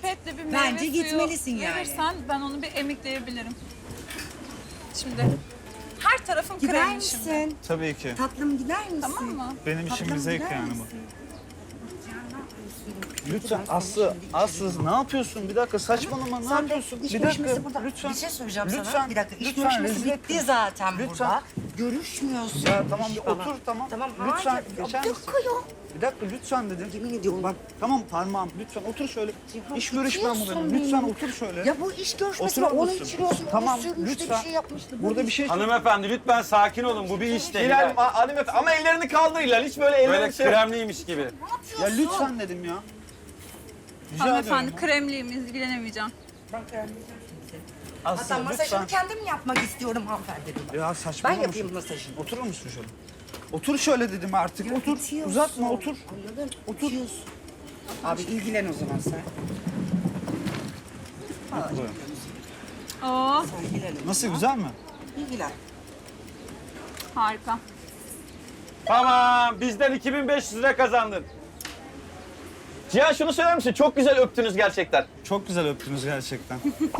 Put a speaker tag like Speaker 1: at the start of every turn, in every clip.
Speaker 1: pipetle bir meyve
Speaker 2: Bence
Speaker 1: suyu
Speaker 2: gitmelisin yani.
Speaker 1: verirsen ben onu bir emikleyebilirim. Şimdi her tarafım
Speaker 2: Gider
Speaker 1: kremli şimdi.
Speaker 2: misin?
Speaker 3: Tabii ki.
Speaker 2: Tatlım gider misin?
Speaker 1: Tamam mı?
Speaker 3: Benim işim
Speaker 2: Tatlım
Speaker 3: bir zevk
Speaker 2: gider
Speaker 3: yani bu.
Speaker 2: misin?
Speaker 3: Lütfen Aslı ne yapıyorsun? Bir dakika saçmalama ne
Speaker 2: Sen de
Speaker 3: yapıyorsun?
Speaker 2: iş
Speaker 3: Bir
Speaker 2: görüşmesi
Speaker 3: dakika
Speaker 2: burada.
Speaker 3: lütfen.
Speaker 2: Bir şey söyleyeceğim
Speaker 3: Lütfen,
Speaker 2: sana. Bir dakika. İş
Speaker 3: lütfen,
Speaker 2: görüşmesi
Speaker 3: rezil
Speaker 2: bitti
Speaker 3: etme.
Speaker 2: zaten
Speaker 3: Lütfen.
Speaker 2: burada. Görüşmüyorsun.
Speaker 3: Ya tamam bir
Speaker 2: falan.
Speaker 3: otur tamam.
Speaker 2: Tamam
Speaker 3: Lütfen
Speaker 2: hayır.
Speaker 3: geçer
Speaker 2: Bir
Speaker 3: misin?
Speaker 2: dakika ya.
Speaker 3: Bir dakika lütfen dedim.
Speaker 2: Yemin ediyorum bak.
Speaker 3: Tamam parmağım lütfen otur şöyle.
Speaker 2: Ya,
Speaker 3: İş görüşmem bu
Speaker 2: bitiyorsun
Speaker 3: benim. Lütfen
Speaker 2: benim.
Speaker 3: otur şöyle.
Speaker 2: Ya bu iş görüşmesi var.
Speaker 3: Oturur
Speaker 2: Onu
Speaker 3: musun?
Speaker 2: içiriyorsun.
Speaker 3: Tamam,
Speaker 2: Onu sürmüştü,
Speaker 3: lütfen.
Speaker 2: bir şey yapmıştı.
Speaker 3: Burada bir şey
Speaker 4: Hanımefendi lütfen sakin olun. Bu bir iş değil.
Speaker 5: Hilal, hanımefendi ama ellerini kaldır Hilal. Hiç böyle ellerini
Speaker 4: Böyle kremliymiş gibi.
Speaker 3: Ya lütfen dedim ya. Rica
Speaker 1: Hanımefendi
Speaker 3: ediyorum.
Speaker 1: kremliyim, ilgilenemeyeceğim.
Speaker 2: Ben kremleyeceğim şimdi.
Speaker 3: Aslı
Speaker 2: Hatta masajını
Speaker 3: lütfen.
Speaker 2: kendim yapmak istiyorum hanımefendi.
Speaker 3: Ya
Speaker 2: Ben
Speaker 3: saçmalama.
Speaker 2: yapayım masajını.
Speaker 3: Oturur musun şöyle? Otur şöyle dedim artık.
Speaker 2: Ya
Speaker 3: Otur.
Speaker 2: bitiyorsun.
Speaker 3: Uzatma otur.
Speaker 2: Anladın? Otur. Abi ilgilen o zaman sen.
Speaker 1: Oo,
Speaker 2: Sen ilgilen.
Speaker 3: Nasıl güzel mi?
Speaker 2: İlgilen.
Speaker 1: harika.
Speaker 4: Tamam bizden 2500 lira kazandın.
Speaker 5: Cihan şunu söyler misin? Çok güzel öptünüz gerçekten.
Speaker 3: Çok güzel öptünüz gerçekten.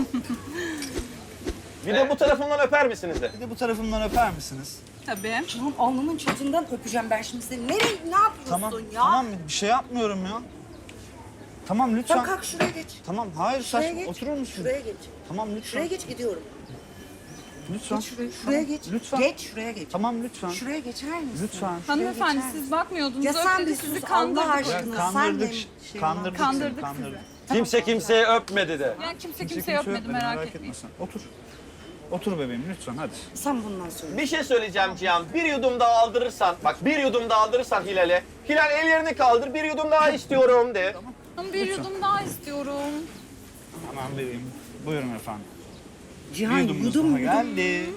Speaker 5: Bir de bu tarafımdan öper misiniz de?
Speaker 3: Bir de bu tarafımdan öper misiniz?
Speaker 1: Tabii.
Speaker 2: Canım alnının çatından öpeceğim ben şimdi seni. Nereye, ne yapıyorsun
Speaker 3: Tamam.
Speaker 2: ya?
Speaker 3: Tamam bir şey yapmıyorum ya. Tamam lütfen.
Speaker 2: Sen kalk şuraya geç.
Speaker 3: Tamam hayır
Speaker 2: Şuraya
Speaker 3: saçma.
Speaker 2: geç.
Speaker 3: Oturur musun?
Speaker 2: Şuraya geç.
Speaker 3: Tamam lütfen.
Speaker 2: Şuraya geç gidiyorum.
Speaker 3: Lütfen.
Speaker 2: Geç şuraya.
Speaker 3: Tamam,
Speaker 2: Şuraya geç.
Speaker 3: Lütfen.
Speaker 2: Geç şuraya geç.
Speaker 3: Tamam lütfen.
Speaker 2: Şuraya geçer misin?
Speaker 3: Lütfen.
Speaker 1: Hanımefendi
Speaker 2: geçer
Speaker 1: siz bakmıyordunuz.
Speaker 2: Ya sen
Speaker 1: öptü,
Speaker 2: bir
Speaker 1: sizi
Speaker 2: sus Allah
Speaker 1: kandırdık.
Speaker 2: aşkına.
Speaker 3: Ya
Speaker 2: Sen
Speaker 3: kandırdık,
Speaker 2: benim şeyim
Speaker 3: kandırdık,
Speaker 2: var.
Speaker 1: Kandırdık
Speaker 3: seni, kandırdık.
Speaker 4: Kimse kimseye öpmedi de.
Speaker 1: Ya kimse
Speaker 3: Kimse
Speaker 1: kimseyi öpmedi
Speaker 3: öpmedi,
Speaker 1: merak
Speaker 3: etme
Speaker 1: etmeyin.
Speaker 3: sen. Otur. Otur bebeğim lütfen hadi.
Speaker 2: Sen bundan sonra.
Speaker 5: Bir şey söyleyeceğim Cihan. Bir yudum daha aldırırsan, bak bir yudum daha aldırırsan Hilal'e. Hilal ellerini kaldır, bir yudum daha istiyorum de.
Speaker 1: Ama bir yudum daha istiyorum.
Speaker 3: Hemen vereyim. Buyurun efendim.
Speaker 2: Cihan
Speaker 3: Bir yudumumuz
Speaker 2: yudum
Speaker 3: daha
Speaker 2: yudum.
Speaker 3: geldi.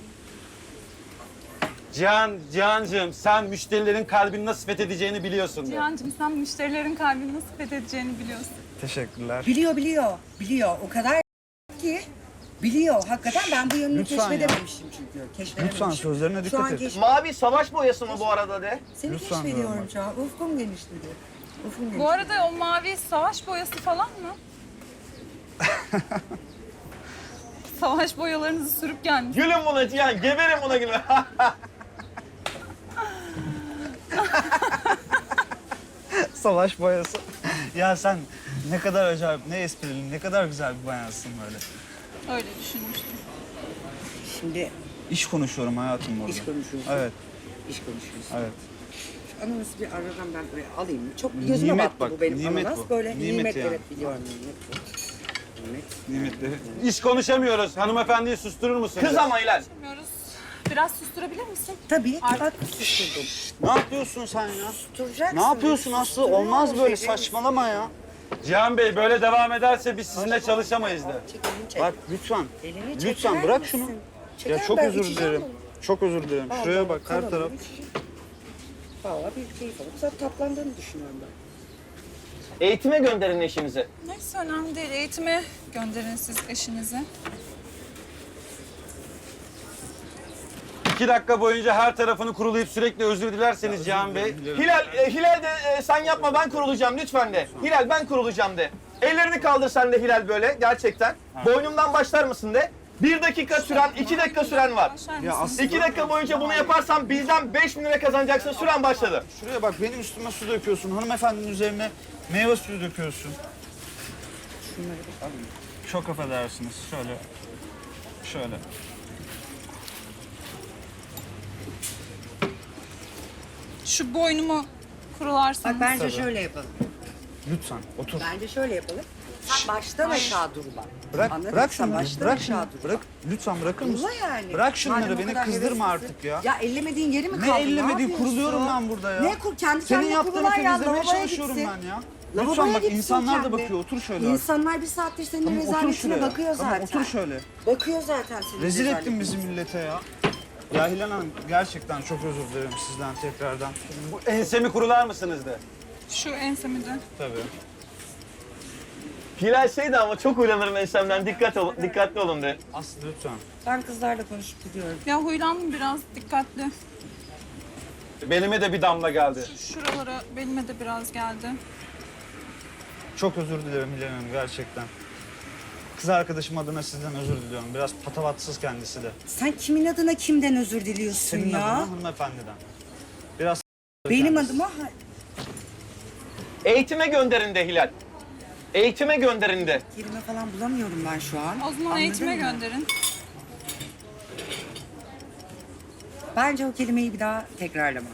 Speaker 4: Cihancığım sen müşterilerin kalbini nasıl fethedeceğini biliyorsun de.
Speaker 1: Cihan'cığım sen müşterilerin kalbini nasıl fethedeceğini biliyorsun.
Speaker 3: Teşekkürler.
Speaker 2: Biliyor. O kadar ki biliyor. Hakikaten ben bu yönünü
Speaker 3: Lütfen ya.
Speaker 2: keşfedememişim çünkü. Keşfedememişim.
Speaker 3: Lütfen sözlerine
Speaker 2: Şu
Speaker 3: dikkat
Speaker 2: an
Speaker 3: et.
Speaker 5: Mavi savaş boyası mı bu arada de?
Speaker 2: Seni
Speaker 3: Lütfen
Speaker 2: keşfediyorum
Speaker 3: diyorum
Speaker 2: şu an. Ufkum genişledi. Ufkum genişledi.
Speaker 1: Bu arada o mavi savaş boyası falan mı? Savaş boyalarınızı sürüp gelmiş.
Speaker 5: Gülün buna Cihan, geberin buna gülün.
Speaker 3: Savaş boyası. Ya sen ne kadar acayip, ne esprili, ne kadar güzel bir bayansın böyle.
Speaker 1: Öyle düşünmüştüm.
Speaker 2: Şimdi
Speaker 3: İş konuşuyorum hayatım burada.
Speaker 2: iş konuşuyorsun.
Speaker 3: Evet,
Speaker 2: İş konuşuyorsun.
Speaker 3: evet.
Speaker 2: Şu ananası bir aradan ben buraya alayım. Çok gözüme
Speaker 3: Nimet
Speaker 2: battı
Speaker 3: bak,
Speaker 2: bu benim
Speaker 3: nimet
Speaker 2: ananas.
Speaker 3: bu.
Speaker 2: Böyle
Speaker 3: Nimet
Speaker 2: nimet,
Speaker 3: yani.
Speaker 2: evet biliyorum nimet bu. Nimet.
Speaker 3: Nimetleri.
Speaker 4: İş konuşamıyoruz. Hanımefendiyi susturur musun?
Speaker 5: Kız ama Hilal.
Speaker 1: Bilmiyoruz. Biraz susturabilir misin?
Speaker 2: Tabii.
Speaker 1: Artık-
Speaker 2: Bak susturdum.
Speaker 3: Ne yapıyorsun sen ya?
Speaker 2: Susturacaksın.
Speaker 3: Ne yapıyorsun Aslı?
Speaker 2: Susturuyorum
Speaker 3: Olmaz böyle
Speaker 2: seni.
Speaker 3: saçmalama ya.
Speaker 4: Cihan Bey böyle devam ederse biz sizinle çalışamayız de.
Speaker 2: Çek elini çek.
Speaker 3: Bak lütfen.
Speaker 2: Elini
Speaker 3: Lütfen
Speaker 2: çeker
Speaker 3: bırak
Speaker 2: misin?
Speaker 3: şunu.
Speaker 2: Çeker,
Speaker 3: Ya çok
Speaker 2: ben
Speaker 3: özür
Speaker 2: içeceğim
Speaker 3: dilerim.
Speaker 2: bunu.
Speaker 3: Çok özür dilerim. Şuraya
Speaker 2: Allah
Speaker 3: bak her
Speaker 2: Allah,
Speaker 3: taraf.
Speaker 2: Valla bir keyif alıp sen tatlandığını düşünüyorum ben.
Speaker 5: Eğitime gönderin eşinizi.
Speaker 1: Neyse önemli değil. Eğitime gönderin siz eşinizi.
Speaker 4: 2 dakika boyunca her tarafını kurulayıp sürekli özür dilerseniz Cihan Bey.
Speaker 5: Hilal de sen yapma ben kurulacağım lütfen de. Hilal ben kurulacağım de. Ellerini kaldır sen de Hilal böyle gerçekten. Boynumdan başlar mısın de. 1 dakika süren, 2 dakika süren var.
Speaker 1: Başlar
Speaker 3: Ya
Speaker 1: mısın?
Speaker 3: Aslı
Speaker 5: 2 dakika boyunca bunu yaparsan bizden 5.000 lira kazanacaksın. Süren başladı.
Speaker 3: şuraya bak benim üstüme su döküyorsun. Hanımefendinin üzerine meyve suyu döküyorsun. Çok affedersiniz. Şöyle.
Speaker 1: Şu boynumu kurularsanız.
Speaker 2: Bak bence
Speaker 3: Tabii.
Speaker 2: şöyle yapalım.
Speaker 3: Lütfen otur.
Speaker 2: Bence şöyle yapalım. Sen baştan aşağı dur bak.
Speaker 3: Bırak,
Speaker 2: Anladın
Speaker 3: bırak
Speaker 2: mı? Sen
Speaker 3: şunları.
Speaker 2: baştan
Speaker 3: Bırak
Speaker 2: aşağı
Speaker 3: şunları.
Speaker 2: dur.
Speaker 3: Bırak. Lütfen bırakır mısın?
Speaker 2: Ulla yani.
Speaker 3: Bırak şunları
Speaker 2: Madem o
Speaker 3: beni
Speaker 2: kadar
Speaker 3: kızdırma
Speaker 2: heveslisin.
Speaker 3: artık ya.
Speaker 2: Ya ellemediğin yeri mi
Speaker 3: Ne
Speaker 2: kaldı?
Speaker 3: ellemediğin
Speaker 2: yapıyorsun?
Speaker 3: kuruluyorum ben burada ya.
Speaker 2: Ne kur? Kendi
Speaker 3: Senin
Speaker 2: kendine
Speaker 3: yaptığını
Speaker 2: kurulan ya.
Speaker 3: temizlemeye
Speaker 2: Lavaboya
Speaker 3: çalışıyorum
Speaker 2: gitsin.
Speaker 3: ben ya.
Speaker 2: Lavaboya
Speaker 3: Lütfen bak
Speaker 2: gitsin
Speaker 3: insanlar da
Speaker 2: kendi.
Speaker 3: bakıyor. Otur şöyle artık.
Speaker 2: İnsanlar bir saattir senin
Speaker 3: Tamam otur
Speaker 2: rezaletine
Speaker 3: şuraya.
Speaker 2: bakıyor
Speaker 3: Tamam
Speaker 2: zaten.
Speaker 3: otur şöyle.
Speaker 2: Bakıyor zaten senin
Speaker 3: Rezil
Speaker 2: rezaletine.
Speaker 3: ettin bizi millete ya. Ya Hilal Hanım gerçekten çok özür dilerim sizden tekrardan.
Speaker 4: Bu ensemi kurular mısınız de.
Speaker 1: Şu ensemi de.
Speaker 3: Tabii.
Speaker 5: Hilal şeydi ama çok uylanırım ensemden. Dikkatli olun de.
Speaker 3: Aslı lütfen.
Speaker 2: Ben kızlarla konuşup gidiyorum.
Speaker 1: Ya huylandım biraz dikkatli.
Speaker 4: Belime de bir damla geldi.
Speaker 1: Şuralara belime de biraz geldi.
Speaker 3: Çok özür dilerim Hilal Hanım gerçekten. Kız arkadaşım adına sizden özür diliyorum. Biraz patavatsız kendisi de.
Speaker 2: Sen kimin adına kimden özür diliyorsun
Speaker 3: Senin
Speaker 2: ya?
Speaker 3: adına hanımefendiden. Biraz
Speaker 2: Benim
Speaker 3: kendisi.
Speaker 2: adıma...
Speaker 5: Eğitime gönderin de Hilal. Eğitime gönderin de.
Speaker 2: Kelime falan bulamıyorum ben şu an.
Speaker 1: O zaman
Speaker 2: Anladın
Speaker 1: eğitime
Speaker 2: mı?
Speaker 1: gönderin.
Speaker 2: Bence o kelimeyi bir daha tekrarlama.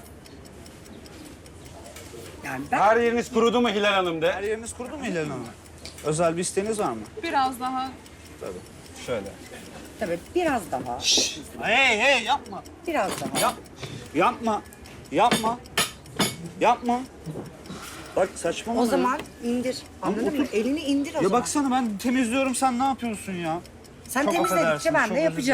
Speaker 2: Yani ben...
Speaker 4: Her yeriniz kurudu mu Hilal Hanım
Speaker 3: Her
Speaker 4: de?
Speaker 3: yeriniz kurudu mu Hilal Hanım? Özel bir isteğiniz var mı?
Speaker 1: Biraz daha.
Speaker 3: Tabii. Şöyle.
Speaker 2: Tabii biraz daha.
Speaker 3: Hey yapma.
Speaker 2: Biraz daha.
Speaker 3: Yapma. Yapma. Yapma. Bak saçmalama.
Speaker 2: O
Speaker 3: ya.
Speaker 2: zaman indir. Anladın mı? Elini indir o
Speaker 3: Ya
Speaker 2: zaman.
Speaker 3: baksana ben temizliyorum sen ne yapıyorsun ya?
Speaker 2: Sen
Speaker 3: Çok
Speaker 2: temizledikçe
Speaker 3: affedersiniz,
Speaker 2: ben
Speaker 3: çok
Speaker 2: de
Speaker 3: özür
Speaker 2: yapacağım.